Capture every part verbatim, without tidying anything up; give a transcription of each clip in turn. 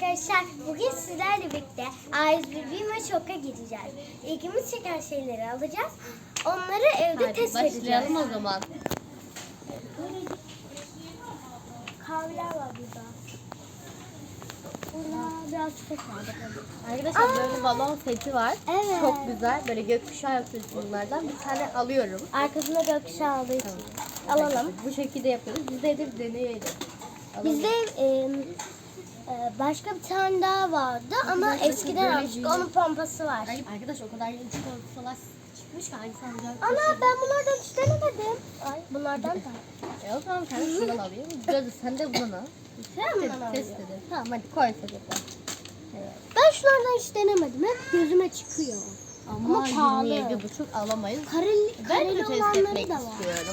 arkadaşlar, bugün sizlerle birlikte A yüz bir ve Şok'a gideceğiz. İlgimiz çeken şeyleri alacağız. Onları evde Hadi test edeceğiz. başlayalım o zaman. Kahveler var burada. Burada biraz çiçek var. Bakalım. Arkadaşlar Aa! böyle balon seti var. Evet. Çok güzel. Böyle gökkuşağı yapıyoruz bunlardan. Bir tane alıyorum. Arkasında gökkuşağı olduğu için. Alalım. Bu şekilde yapıyoruz. Biz de edip deneyelim. Alalım. Bizde e, e, başka bir tane daha vardı ama eskiden almıştık. Onun pompası var. Ay, arkadaş o kadar yeni çikolatalar çıkmış ki hangisi alacağım? Ana ben bunlardan hiç denemedim. Ay bunlardan da. E o zaman sen şundan alayım. Biraz da sen de bunu al. Sen bundan al. Test edelim. Tamam hadi koy sepete. Evet. Ben şunlardan hiç denemedim. Hep gözüme çıkıyor. Ama, Ama pahalı. yirmi yedi buçuk alamayız. Kareli, Ben de kareli test olanları etmek da var. istiyorum.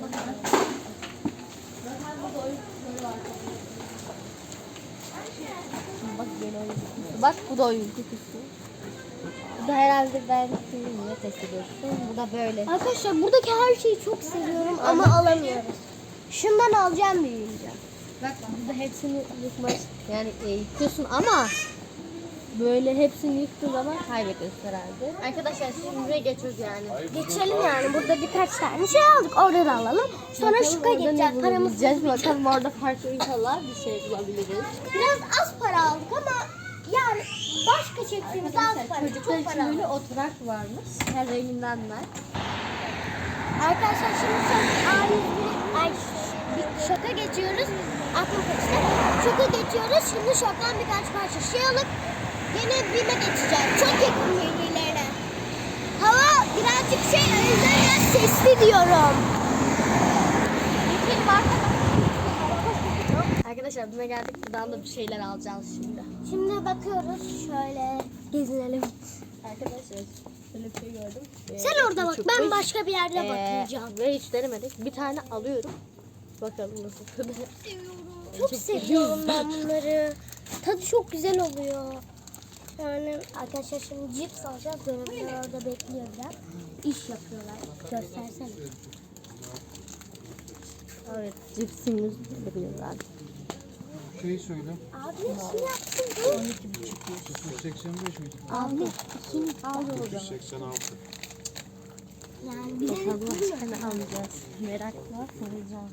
Bak yeni oyun kutusu. Bak bu da oyun kutusu. Bu da herhalde ben sizinle test ediyorsun. Bu da böyle. Arkadaşlar buradaki her şeyi çok seviyorum ama alamıyoruz. Şundan alacağım büyüyünce. Bak burada hepsini yıkmak yani e, yıkıyorsun ama böyle hepsini yıktığın zaman kaybediyorsun herhalde. Arkadaşlar şimdi buraya geçiyoruz yani. Geçelim yani. Burada birkaç tane şey aldık. Orada da alalım. Sonra Bakalım şuka orada ne geçeceğiz. Paramız bulabileceğiz. Bakalım orada farklı inşallah bir şey bulabiliriz. biraz az para aldık ama yani başka çektiğimiz az Arkadaşlar para. çocuklar Çok için para böyle aldık. oturak varmış. Her renginden var. Arkadaşlar şimdi son A yüz bir ay, bir şoka geçiyoruz. Aklım kaçtı. Şoka geçiyoruz. Şimdi şoktan birkaç parça şey alıp yine BİM'e geçeceğiz. Çok yakın birbirlerine. Hava birazcık şey o yüzden biraz sesli diyorum. Arkadaşlar buna geldik. Buradan da bir şeyler alacağız şimdi. Şimdi bakıyoruz. Şöyle gezinelim. Arkadaşlar şöyle bir şey gördüm. Ee, Sen orada bak. Ben çıkmış. başka bir yerde Ee, bakacağım. Ve hiç denemedik. Bir tane alıyorum. Bakalım nasıl tadı. Çok seviyorum ben bunları. Tadı çok güzel oluyor. Yani arkadaşlar şimdi cips alacağız. Görevliler orada bekliyor biraz. İş yapıyorlar. Göstersene. Evet, cipsimiz duruyorlar. Şeyi söyle. Abi ne yaptın bu? on iki buçuk yüz seksen beş miydi? Abi kim aldı o yüz seksen altı. Yani bize Bakalım kaç tane alacağız. Merakla soracağım.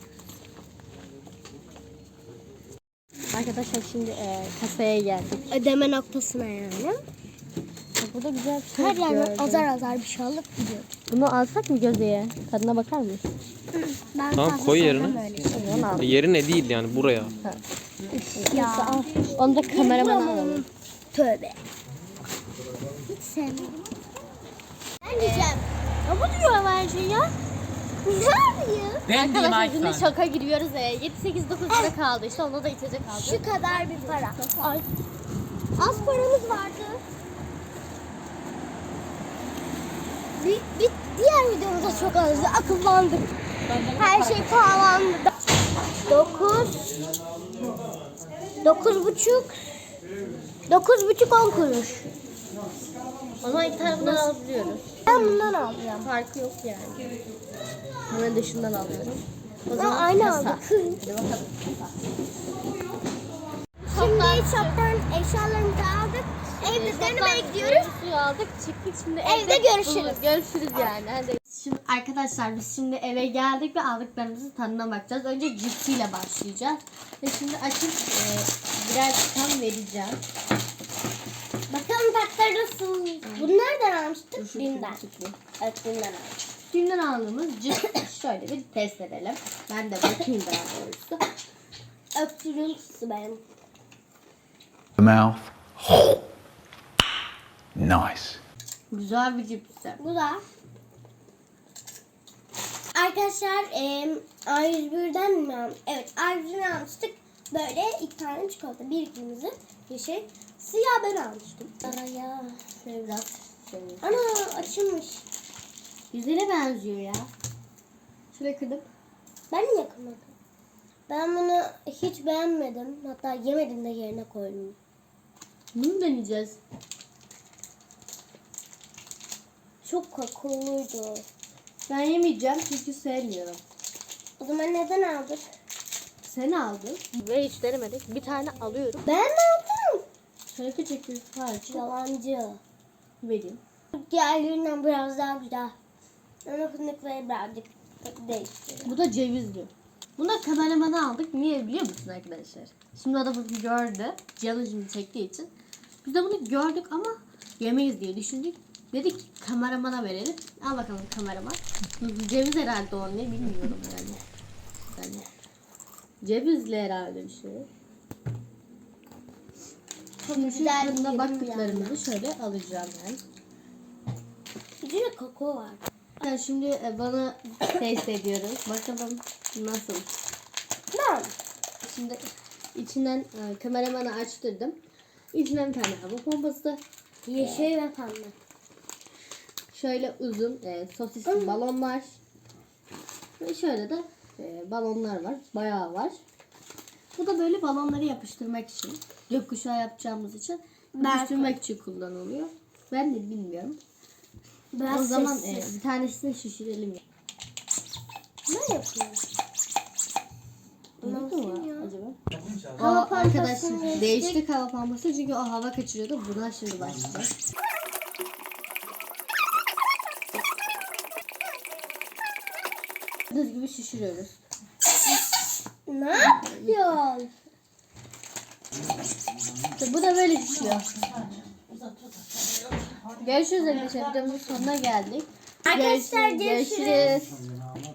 Arkadaşlar şimdi e, kasaya geldik. ödeme noktasına yani. Burada güzel bir şey Her yerden gördüm. azar azar bir şey alıp gidiyoruz. Bunu alsak mı Gözde'ye? Tadına bakar mısın? Ben Tamam, fazla koy sevmem yerine. öyle şey. Onu al. Yerine değil yani buraya. Ya. Al. Onu da kameramana alalım. Tövbe. Hiç sevmem. Ben diyeceğim. Ne bu diyor her şey ya? Ne yapıyor? Ben diyeyim Arkadaşlar şimdi Aysan. şoka giriyoruz. E, yedi sekiz dokuz lira kaldı. İşte onda da içecek aldık. Şu kadar bir para. Ay. Az paramız vardı. Bir, bir diğer videomuzda çok azdı. Akıllandık. Her şey pahalandı. Dokuz. Dokuz buçuk. Dokuz buçuk on kuruş. O zaman iki tane bundan alabiliyoruz. Ben bundan alacağım. Farkı yok yani. Hemen dışından alıyorum. O Ha, zaman aynı kasa. aldık. Hadi bakalım. Şimdi shop'tan eşyalarımızı aldık. Evde denemeye gidiyoruz. Suyu aldık çıktık şimdi Evde görüşürüz. buluruz. Görüşürüz yani. Hadi. Şimdi arkadaşlar biz şimdi eve geldik ve aldıklarımızın tadına bakacağız. Önce cipsiyle başlayacağız. Ve şimdi açıp e, birer tutam vereceğim. Bakalım tatları nasıl? Bunu nereden almıştık? Şu Bim'den. küçüklü. Evet Bim'den almıştık. Dünden aldığımız cips şöyle bir test edelim. Ben de bakayım daha doğrusu. Öptürüntüsü benim. Mouth. Nice. Güzel bir cipsi. Bu da. Arkadaşlar e, A yüz birden mi almıştık? Evet A yüz birden almıştık. Böyle iki tane çikolata. Bir kırmızı, yeşil. Siyah ben almıştım. Araya. Şöyle biraz şöyle. Ana açılmış. Güzele benziyor ya. Şöyle kırdım. Ben niye yakamadım? Ben bunu hiç beğenmedim. Hatta yemedim de yerine koydum. Bunu deneyeceğiz. Çok kakaoluydu. Ben yemeyeceğim çünkü sevmiyorum. O zaman neden aldık? Sen aldın ve hiç denemedik. Bir tane alıyorum. Ben mi aldım? Şöyle küçük bir parça Yalancı. vereyim. Diğerlerinden biraz daha güzel. Ama fındıkları birazcık değiştiriyor. Bu da cevizli. Buna kameramanı aldık. Niye biliyor musun arkadaşlar? Şimdi o da bunu gördü. Canı şimdi çektiği için. Biz de bunu gördük ama yemeyiz diye düşündük. Dedik ki kameramana verelim. Al bakalım kameraman. Ceviz herhalde o, ne bilmiyorum yani. yani. Cevizli herhalde bir şey. Şimdi şu güzel tadına yedim baktıklarımızı şöyle alacağım ben. İçinde kakao var. Yani şimdi e, bana test ediyoruz. Bakalım nasıl. Ben. Şimdi içinden e, kameramanı açtırdım. İçinden bir tane hava pompası. Yeşil ve pembe. Şöyle uzun e, sosisli balon var. Ve şöyle de e, balonlar var. Bayağı var. Bu da böyle balonları yapıştırmak için. Gökkuşağı yapacağımız için. Yapıştırmak için kullanılıyor. Ben de bilmiyorum. Biraz o zaman sessiz. e, bir tanesini şişirelim. Ne yapıyorsun? Nasıl Nasıl mı ya? acaba? Hava O arkadaş pompasını geçtik. değiştik hava pompası çünkü o hava kaçırıyordu. Buna şimdi başlayacağız. Gördüğünüz gibi şişiriyoruz. Ne yapıyorsun? İşte bu da böyle şişiyor. Görüşürüz arkadaşlar. Videomuzun sonuna geldik. Arkadaşlar, Görüşürüz. görüşürüz. Görüşürüz.